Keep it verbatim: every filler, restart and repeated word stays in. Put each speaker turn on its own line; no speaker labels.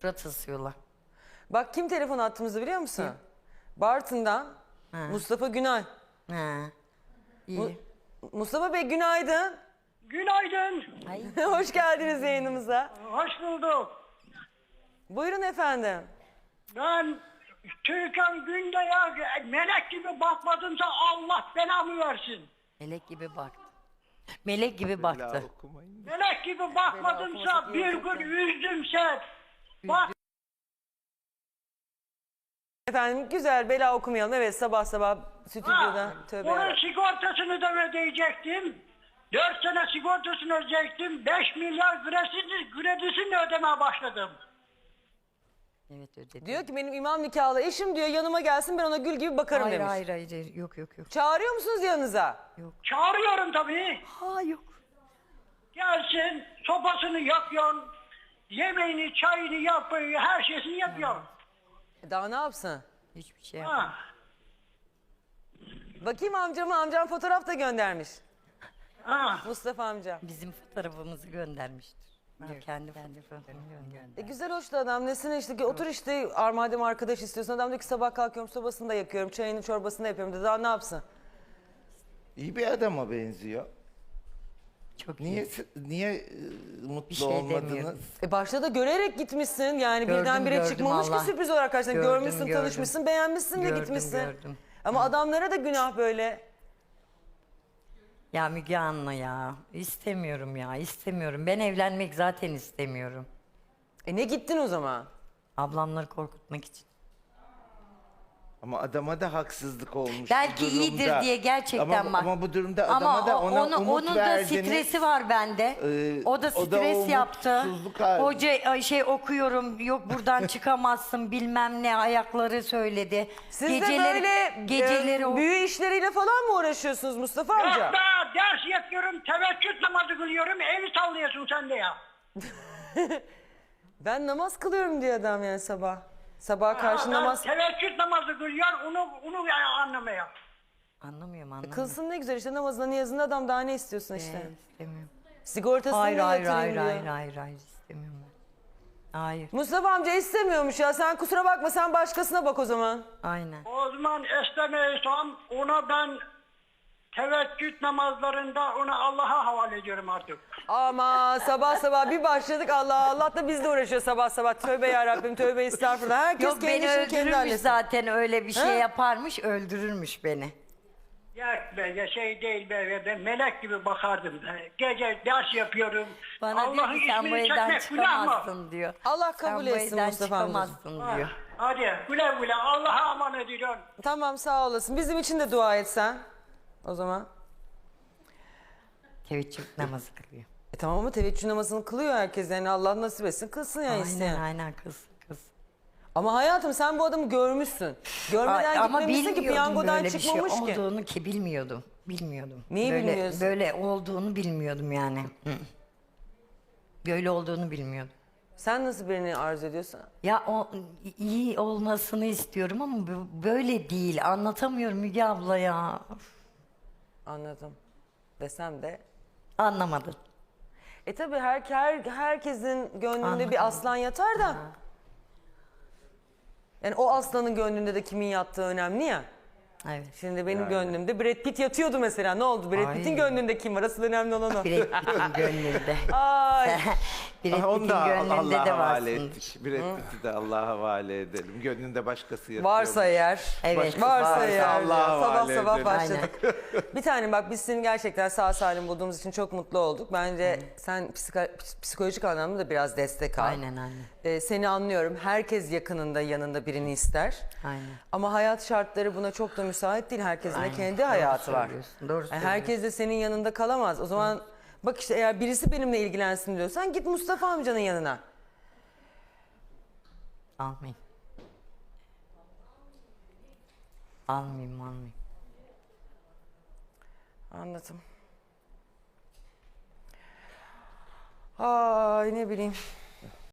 Surat asıyorlar.
Bak kim telefon attığımızı biliyor musun? Bartın'dan
Ha.
Mustafa Günay.
Ha. İyi.
Mu- Mustafa Bey günaydın.
Günaydın.
Ay.
Hoş geldiniz yayınımıza.
Hoş bulduk.
Buyurun efendim.
Ben Türkan Günde ya melek gibi bakmadımsa Allah belamı versin.
Melek gibi baktı. Melek gibi baktı.
Melek gibi bakmadımsa bir gün üzdümse bak
Efendim güzel bela okumayalım. Evet sabah sabah stüdyoda
ha,
tövbe
onun
yarabbim.
sigortasını da ödeyecektim. Dört sene sigortasını ödeyecektim. Beş milyar kredisi, kredisini ödemeye başladım.
Evet ödedi.
Diyor ki benim imam nikahlı eşim diyor yanıma gelsin ben ona gül gibi bakarım
hayır,
demiş.
hayır hayır hayır. Yok yok yok.
Çağırıyor musunuz yanınıza?
Çağırıyorum tabii.
Ha yok.
Gelsin sopasını yakıyorsun. Yemeğini, çayını yapıyor, her şeyini yapıyor.
E Daha ne yapsın?
Hiçbir şey yapmadı.
Ha.
Bakayım amcama amcam fotoğraf da göndermiş.
Ha.
Mustafa amca.
Bizim fotoğrafımızı göndermiştir. Diyor, kendi kendi fotoğrafını gönderdi.
E güzel hoştu adam. Nesine işte ki otur işte ar- madem arkadaş istiyorsan. Adam diyor ki sabah kalkıyorum sobasını da yakıyorum. Çayını çorbasını da yapıyorum dedi. Daha ne yapsın?
İyi bir adama benziyor.
Çok
Niye
iyi.
niye e, mutlu
Bir şey
olmadınız?
demiyorum.
E başta da görerek gitmişsin. Yani
Gördüm,
birdenbire
gördüm
çıkmamış
Allah.
ki sürpriz olarak karşına.
Gördüm,
Görmüşsün,
gördüm.
tanışmışsın, beğenmişsin ve
Gördüm,
gitmişsin.
gördüm.
Ama adamlara da günah böyle.
Ya Müge Anlı ya. İstemiyorum ya. istemiyorum. Ben evlenmek zaten istemiyorum.
E ne gittin o zaman?
Ablamları korkutmak için.
Ama adama da haksızlık olmuş.
Belki
bu durumda.
iyidir diye gerçekten
ama,
bak.
Ama bu durumda
Ama
adama da
o-
ona
onu,
umut
onun
verdiniz.
da stresi var bende.
Ee,
o da
o da
stres
o
yaptı.
umutsuzluk hali.
Hoca ay, şey okuyorum. Yok buradan çıkamazsın bilmem ne ayakları söyledi.
Siz de böyle
geceleri
e,
o-
büyü işleriyle falan mı uğraşıyorsunuz Mustafa amca?
Yok be, ders yapıyorum, teveccüh namazı kılıyorum, evi sallıyorsun sen de ya.
Ben namaz kılıyorum diyor adam yani sabah. Sabah karşı
Ha,
namaz.
Teveccüh namazı kılıyor, onu, onu yani anlamaya.
Anlamıyorum anlamıyorum.
Kılsın ne güzel işte namazına niyazında adam daha ne istiyorsun işte.
Ee, istemiyorum.
Sigortasını
Hayır
da
hayır
yatırayım
hayır
diyor.
hayır hayır hayır istemiyorum ben. Hayır.
Mustafa amca istemiyormuş ya. Sen kusura bakma sen başkasına bak o zaman.
Aynen.
O zaman istemiyorsam ona ben teveccüh namazlarında onu Allah'a havale ediyorum artık.
Ama sabah sabah bir başladık Allah Allah da biz de uğraşıyor sabah sabah. Tövbe yarabbim tövbe estağfurullah. Herkes
Yok
kendi
beni
işini kendi
öldürürmüş
halletsin.
zaten öyle bir şey
Ha?
yaparmış öldürürmüş beni.
Ya be ya şey değil be, ben melek gibi bakardım. Gece ders yapıyorum.
Bana diyor
Allah'ın
ki sen bu
ismini
evden
çekmek günah mı?
çıkamazsın diyor.
Allah
Sen
kabul
bu
etsin
evden
Mustafa amcacığım.
çıkamazsın
Ha,
diyor.
hadi güle güle Allah'a aman ediyorsun.
Tamam sağ olasın. Bizim için de dua et sen. O zaman.
Teveccüh namazı kılıyor.
E tamam ama teveccüh namazını kılıyor herkes. Yani Allah nasip etsin kılsın yani isteyen.
Aynen aynen kız kız.
Ama hayatım sen bu adamı görmüşsün. Görmeden
Ay, ama
gitmemişsin ki
bilmiyordum
piyangodan
böyle bir şey
çıkmamış ki.
olduğunu ki bilmiyordum. Bilmiyordum.
Neyi
böyle,
bilmiyorsun?
Böyle olduğunu bilmiyordum yani. Hı. Böyle olduğunu bilmiyordum.
Sen nasıl birini arzu ediyorsun?
Ya o iyi olmasını istiyorum ama bu- böyle değil. Anlatamıyorum Müge abla ya.
Anladım. Desem de.
Anlamadın.
E tabi her, her, herkesin gönlünde
Anladım.
bir aslan yatar da. Yani o aslanın gönlünde de kimin yattığı önemli ya.
Evet.
Şimdi benim gönlümde Brad Pitt yatıyordu mesela. Ne oldu? Brad
Ay.
Pitt'in gönlünde kim var? Asıl önemli olan o.
Brad Pitt'in gönlünde.
Ay.
Brad
Ah, Onu
Pitt'in
da
gönlünde
Allah'a
de
havale
varsın.
ettik. Brad Pitt'i de Allah'a havale edelim. Gönlünde başkası yatıyor.
Varsa eğer.
Evet.
Varsa
Varsa
eğer.
Allah'a
Sabah
havale
sabah
edelim.
başladık. Bir tane bak biz seni gerçekten sağ salim bulduğumuz için çok mutlu olduk. Bence sen psiko- psikolojik anlamda da biraz destek al.
Aynen aynen.
Ee, seni anlıyorum. Herkes yakınında yanında birini ister.
Aynen.
Ama hayat şartları buna çok da müsait değil. Herkesin de
Aynen.
kendi
Doğru
hayatı var.
söylüyorsun, doğru
Yani herkes de senin yanında kalamaz. O zaman bak işte eğer birisi benimle ilgilensin diyorsan git Mustafa amcanın yanına.
Almayayım. Almayayım almayayım.
Anladım. Ay ne bileyim.